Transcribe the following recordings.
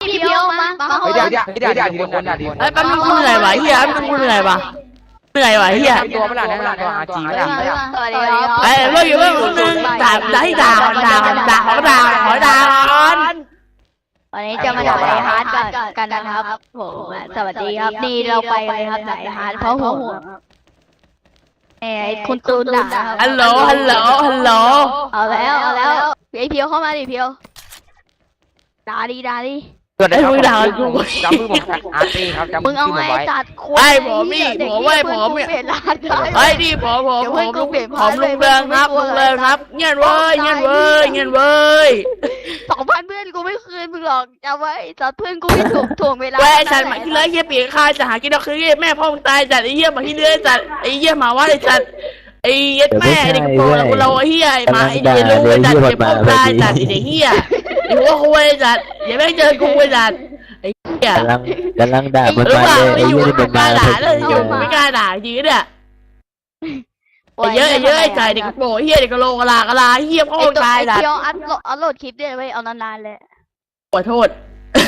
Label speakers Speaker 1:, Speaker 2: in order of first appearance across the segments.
Speaker 1: พี่เพียวมา
Speaker 2: เดี๋ยวทีละคนทีละคน
Speaker 3: ไอ้แป๊บนึงกูเหนื่อยวะเฮียแป๊บนึงกูเหนื่อยวะเฮีย
Speaker 2: ตัวเมื่อไหร่นะตัวอาจีเมื่อไหร่
Speaker 1: สวัสดีครับ
Speaker 3: ไอ้เรื่องอยู่เรื่องนึงด่า
Speaker 1: วันนี้จะมาด่าไอฮาร์ดกันนะครับผมสวัสดีครับนี่เราไปเลยครับด่าไอฮาร์ดเพราะหัวไอ้คุณตูนด่าครับ
Speaker 3: ฮัลโหล
Speaker 1: เอาแล้วไอเพียวเข้ามาดิเพียวด่าดิ
Speaker 2: เกิดอะไรขึ้นจำมือผมอาร์ตีครับจำมื
Speaker 1: มึ
Speaker 2: อง
Speaker 1: เอา
Speaker 2: ผม
Speaker 1: ไอ้
Speaker 2: ไว้
Speaker 1: จัดคว
Speaker 3: ไอ้ผมนี่ผมไว้ผมเนี่ย
Speaker 1: เปลี่ยนร้านได้
Speaker 3: ไอ้ดิผมลุงเรืองครับเงี้ยเว้ย
Speaker 1: 2,000เพื่อนกูไม่คืนมึงหรอกจำไว้จัดเพื่อนกูไม่ถ่วงเวลา
Speaker 3: เว้ยจัดหมาที่เลื้อยเฮียปีกข้าจะหากินเอาคือแม่พ่อมึงตายจัดไอ้เฮียหมาที่เลื้อยจัดไอ้เฮียหมาว่าไอ้จัดไอ้ยัดแม่เด็กโตเราไอ้เฮียไอ้หมาไอ้เฮียลูกจัดเก็บพ่อตายจัดไอ้เด็กเฮียไอ้หัวคุยจัดอย่าแม่เจอกูไอ้จัดไอ้เฮีย
Speaker 4: กำลังด่ามัน
Speaker 3: หรือ
Speaker 4: มา
Speaker 3: เปล่า
Speaker 4: เลย
Speaker 3: ไม่
Speaker 4: ไอ้
Speaker 3: อยู่
Speaker 4: ยี่นี่เป็น
Speaker 3: กล้า
Speaker 4: มา
Speaker 3: ด่าเลยอยู่ไม่กล้าด่าจริงเนี่ยไอ้เยอะไอ้ใจเด็กโป้เฮียเด็กกะโลกะลาเฮียพ่อตายจัด
Speaker 1: เพียวอัพโหลดคลิปด้วยไว้เอานานๆเลย
Speaker 3: ขอโทษ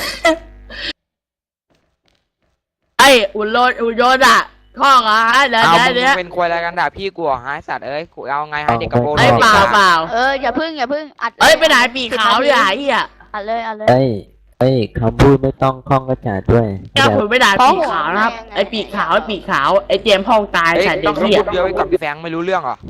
Speaker 3: ไอ้อุ่นโยนอ่ะข้องอ่ะเดี๋ยว
Speaker 2: เอามึงเป็นควยอะไรกันด่าพี่กูหายสัตว์เอ้ยกูเอาไงให้เด็กกระโปรง
Speaker 3: ไอ้เปล่า
Speaker 1: อย่าพึ่งอัด
Speaker 3: เอ้ยไปไหนปีขาวอย่าเฮีย
Speaker 1: อัดเลย
Speaker 4: เอ้ยคำพูดไม่ต้องคล่องกระจาดด้วย
Speaker 3: แก้วผมไปด่าปีขาวนะครับไอ้ปีขาวไอ้เจมพ่องตาย
Speaker 2: เอ้ย
Speaker 3: ฉันเด็
Speaker 2: ต้อก ง
Speaker 3: เฮีย
Speaker 2: พูดเดียวกับพี่แฟงไม่รู้เรื่องหรอ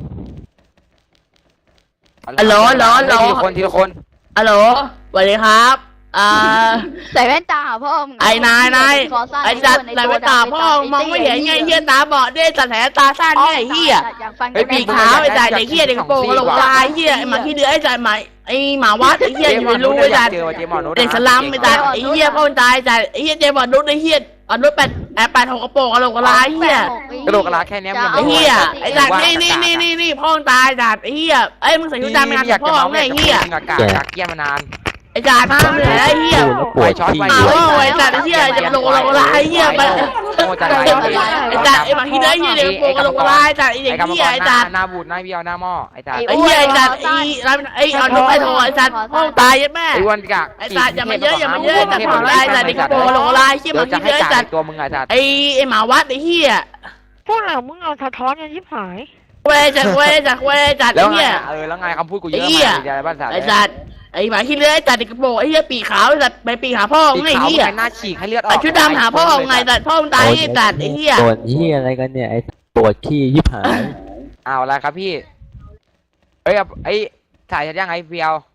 Speaker 3: ฮัลโหล
Speaker 2: ทีละคน
Speaker 3: ฮัลโหลสวัสดีครับ
Speaker 1: ใส่แว่นตาพ่อมึง
Speaker 3: ไอ้นายไอ้จัดไหนไปตาพ่อมองไม่เห็นไงเฮียตาบอดด้วยจัดแผลตาสั้นไงเฮียไอ้ปีขาวไอ้จ่ายเด็กเฮียเด็กกระโปรงกระโหลกลายเฮียไอ้หมาที่เดือไอ้จ่ายหมาไอ้หมาวัดไอ้เฮียอยู่ไม่รู้ไอ้จ่ายเด็กสลัมไอ้จ่ายไอ้เฮียพ่อตายจ่ายไอ้เฮียเจมบอดนุ๊กไอ้เฮียอนุ8หกกระโปรงกระโหลกลายเฮีย
Speaker 2: กระโดดกระลาแค่นี้
Speaker 3: ไอ้เฮียไอ้จ่ายนี่พ่อตายจ่ายไอ้เฮียไอ้มึงใส่ชุดดำงานกับพ่อไงเฮีย
Speaker 2: อากาศจากเกี้ยมานาน
Speaker 3: ไอ้จ่ายมาเหนื่อยไอ้เฮีย
Speaker 4: ปวดที่
Speaker 3: อ้าวไอ้จ่ายไอ้เฮียจะกระโหลกลายเฮียไป
Speaker 2: โง่จังไร
Speaker 3: ไอ้จ่าไอ้หมาที่เด้อเฮียเด็กโปกระโหลกลายจ่าไอ้เด็กเฮียไอ้จ่า
Speaker 2: หน้าบูดหน้าเบี้ยวหน้าหม้อไอ้จ่า
Speaker 3: ไอ้เฮียไอ้จ่าไอ้เอานกไอ้ทองไอ้จ่าห้องตายยัดแม่
Speaker 2: ไอ้วันกะ
Speaker 3: ไอ้จ่าอย่ามาเยอะจ่าห้องตายจ่าเด็กโปกระโหลกลายเฮียห
Speaker 2: เดี๋ย
Speaker 3: มาว
Speaker 2: จะ
Speaker 3: ที่
Speaker 2: ให้
Speaker 3: เด้อ
Speaker 2: จ่า
Speaker 3: จ่า
Speaker 2: ตัวมึงไงจ่า
Speaker 3: ไอ้หมาวัดไอ้เฮีย
Speaker 5: พวกเรามึงเอาสะท้อนกันชิบหาย
Speaker 3: เว้ยจ่าไอ้เฮีย
Speaker 2: แล้วไงคำพูดกูเยอะมากใจบ้านจ่า
Speaker 3: ไอ้จ่าไอ้หมาที่เด้อจ่าเด็กโปไอ้เฮียปีขาวจ่าไปปีขาพ่อไงเฮีย
Speaker 2: หน้าฉีกให้เลือดออก
Speaker 3: ไอ้ชุดดำหาพ่อไงจ่าพ่อตายไอ้จ่าไอ้เฮีย
Speaker 4: ปวดที่อะไรกันเนี่ยไอ้ปวดขี้ยิบหาย
Speaker 2: อ้าวอะไรครับพี่เอ้ยไอ้ถ่ายยังไงเพียว